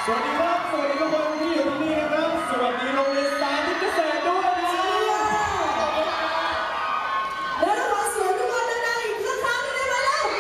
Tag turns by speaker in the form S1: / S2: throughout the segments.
S1: สวัสดีครับสวัสดีทุกคนที่อยู่ที่นี่นะครับสวัสดีโรงเรียนสาธิตเกษตรด้วยนะ
S2: แล้วเราขอเสียงทุกคนดังๆอีกสักครั้งหนึ่งได้ไหมเล่า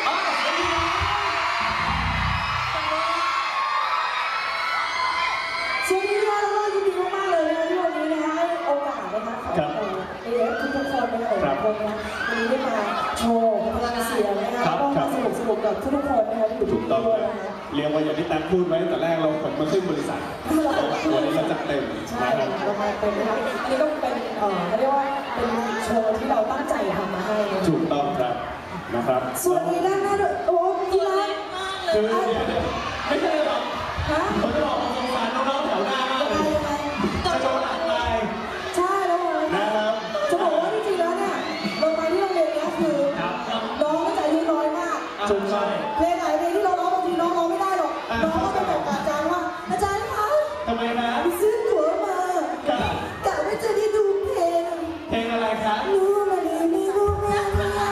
S2: ช่วงนี้เราก็ยินดีมากๆเลยนะที่วันนี้นะคะให้โอกาสนะคะของเด็กทุกคนนะคะวันนี้ได้มาโชว์พลังเสียงนะคะก็มาสนุกกับทุกคนนะคะที่อยู่ที่นี่ด้วยนะคะ
S1: เรียกว่าอย่างที่แตงพูดไว้ตั้งแต่แรกเราขนมาขึ้นบริษัทวันนี้เราจัดเต็ม
S2: ใช่เรามาเต็มนะคะอันนี้ก็เป็นเขาเรียกว่าเป็นโชว์ที่เราตั้งใจทำมาให้
S1: ถูกต้องครับนะครับ
S2: สวัสดีด้านหน้าด้วยโอ้กีฬา
S1: คือไม่ใช่หรอกเขาจะบอกสงสารน้องๆแถวหน้ามากเลยจะโดนอัดตาย
S2: ใช่แล้วนะครับจะบอกว่าจริงๆแล้วเนี่ยเราไปที่โรงเรียนนี้คือน้องก็ใจดีน้อยมาก
S1: ถูกใช่
S2: เพลงไหนเพลงที่เราร้องบางทีน้องร้องไม่ได้หรอกน้องก็ไปบอกอาจารย์ว่าอาจารย์คะ
S1: ทำไมนะ
S2: ซื้อตั๋วมากะว่าจะได้ดูเพลง
S1: อะไรคะ
S2: รู้มาดีมีรู้แม่รู้แม่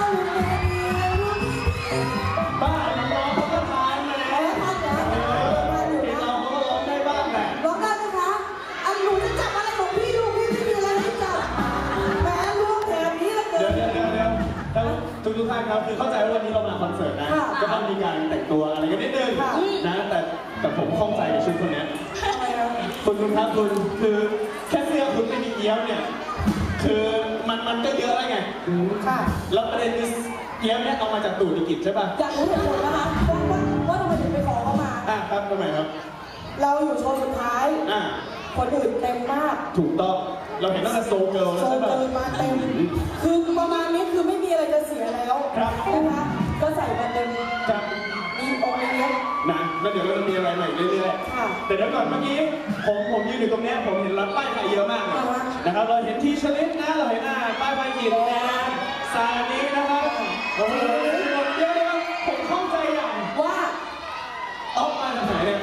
S1: บ้าน้องเขาก็ทานมาแล้วเราก็ร้องได้บ้างแหละ
S2: ร้องได้ไหมคะอันหนูจะจับอะไรของพี่ลูกพี่ไม่มีอะไรให้จับแม่ลูกแถมนี้ละเกิน
S1: เดี๋ยวทุกท่านครับคือเข้าใจว่าวันนี้เรามาคอนเสิร์ตนะก็ต้องมีการแต่งตัวอะไรกันนิดนึงนะแต่ผมข้องใจกับชุดคนนี้คุณครับคุณคือแค่เสื้อคุณไม่มีเอี้ยวเนี่ยคือมันก็เยอะแล้วไงแล้วประเด็นคือเอี้ยวเนี่ยเอามาจากตู่ดิกิจใช่ป่ะ
S2: อยากรู้เหตุผลนะคะว่าทำไมถึงไปขอเขามา
S1: ครับทำไมครับ
S2: เราอยู่โชว์สุดท้ายคนอื่นเต็มมาก
S1: ถูกต้องเราเห็นตั้งแต่โซเกิร์ลแล้วใช่ป่ะ
S2: มาเต็มคือประมาณนี้คือไม่มีอะไรจะเสียแล้วนะคะก็ใส่มาเต็มมีองค์นี้
S1: นะแล้วเดี๋ยวเราจะมีอะไรใหม่เรื่อยๆแต่เดี๋ยวก่อนเมื่อกี้ผมยืนอยู่ตรงนี้ผมเห็นร้านป้ายไฟเยอะมากนะครับเราเห็นที่ชลิดนะเราเห็นป้ายไฟหินนะซานี้นะครับโอ้โหเยอะเลยผมเข้าใจอย่าง
S2: ว่า
S1: ออกมาจากไหนเนี่ย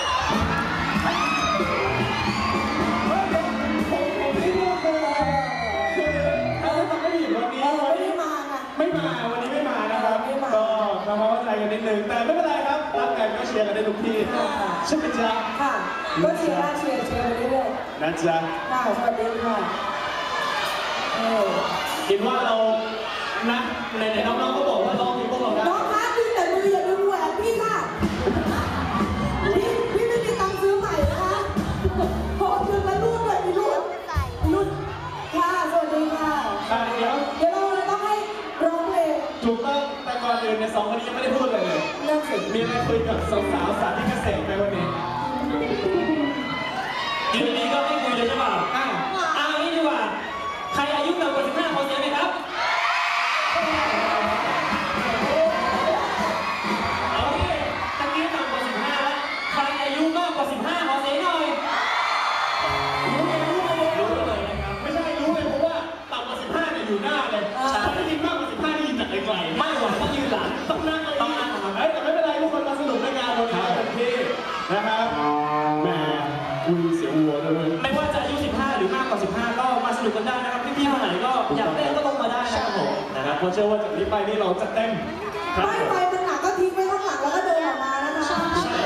S1: วันนี้ไม่มานะครับก็ทำความเข้าใจกันนิดนึงแต่ไม่เป็นไรครับรักกันก็เชียร์กันได้ทุกที่ใช่ไหมจ๊ะ
S2: ค่ะก็เชียร์ไปเรื่อย
S1: ๆนะจ๊ะ
S2: ค่ะสวัสดีค่ะ
S1: คิดว่าเรานะในน้องๆก็บอกว่าลองที่พวกเราได้
S2: น้องคะดึงแต่มืออย่าดึงแหวนพี่ค่ะพี่ไม่มีตังค์ซื้อใหม่นะคะพอดึงแล้วรูดเลยมีรูดค่ะสวัสดีค่ะเดี๋ยวเราต้องให้ร้องเพลง
S1: ถูกต้องแต่ก่อนอื่นใน2 คนนี้ยังไม่ได้พูดเลยมีอะไรคุยกับสาวๆสาธิตเกษตรไหมวันนี้
S3: ยืนดีก็ไม่คุยเลยใช่ป่ะเอางี้ดีกว่าใครอายุต่ำกว่า15ขอเสียงไหมครับเอาดิตะกี้ต่ำกว่า15แล้วใครอายุมากกว่า15ขอเสียงหน่อย
S1: รู้เลยนะครับไม่ใช่รู้เลยเพราะว่าต่ำกว่า15เนี่ยอยู่หน้าเลยถ้าได้ยินมากกว่า15ได้ยินจากไกลๆ
S3: ไม่ไหวต้องยืนหลัง
S1: ต้องนั่งแต่ไม่เป็นไรทุกคนมาสนุกในงานวันนี้เต็มที่นะครับแหมคุยเสียงวัวเลย
S3: ไม่ว่าจะอายุ15หรือมากกว่า15ก็มาสนุกกันได้นะครับพี่ๆคนไหนก็อยากเต้นก็ลงมาได้นะครับผม
S1: นะครับเพราะเชื่อว่าจากนี้ไปนี่เราจะเต้น
S2: ไปตรงหลังก็ทิ้งไว้ข้างหลังแล้วก็เดินออกมานะคะ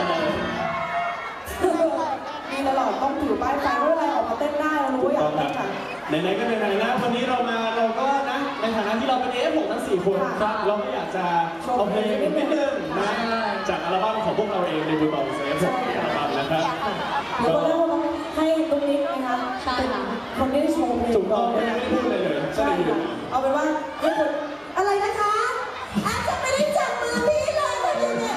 S2: มีตลอดต้องถือป้ายไฟเมื่อไรออกมาเต้นได้เรารู้ว่าอยากเต้นค่ะ
S1: ไหนๆก็ไหนๆนะวันนี้เราก็นะในฐานะที่เราเป็นF6ทั้ง4คนเราก็อยากจะเอาเพลงนิดนึงนะจากอัลบั้มของพวกเราเองในบูตองเซฟอัลบั้มนะครับ
S2: เดี๋ยวเราให้ตรงนี้นะคะเป็นคนที่ได้โชว์เพลง
S1: ถูกต้องไม่ได้พูดเลย
S2: ใช่เอาเป็นว่าให้คนอะไรนะคะอาจจะไม่ได้จับมือพี่เลยคนนี้เนี่ย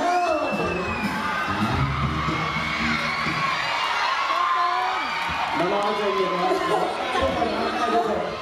S1: น้องๆใจเย็นนะ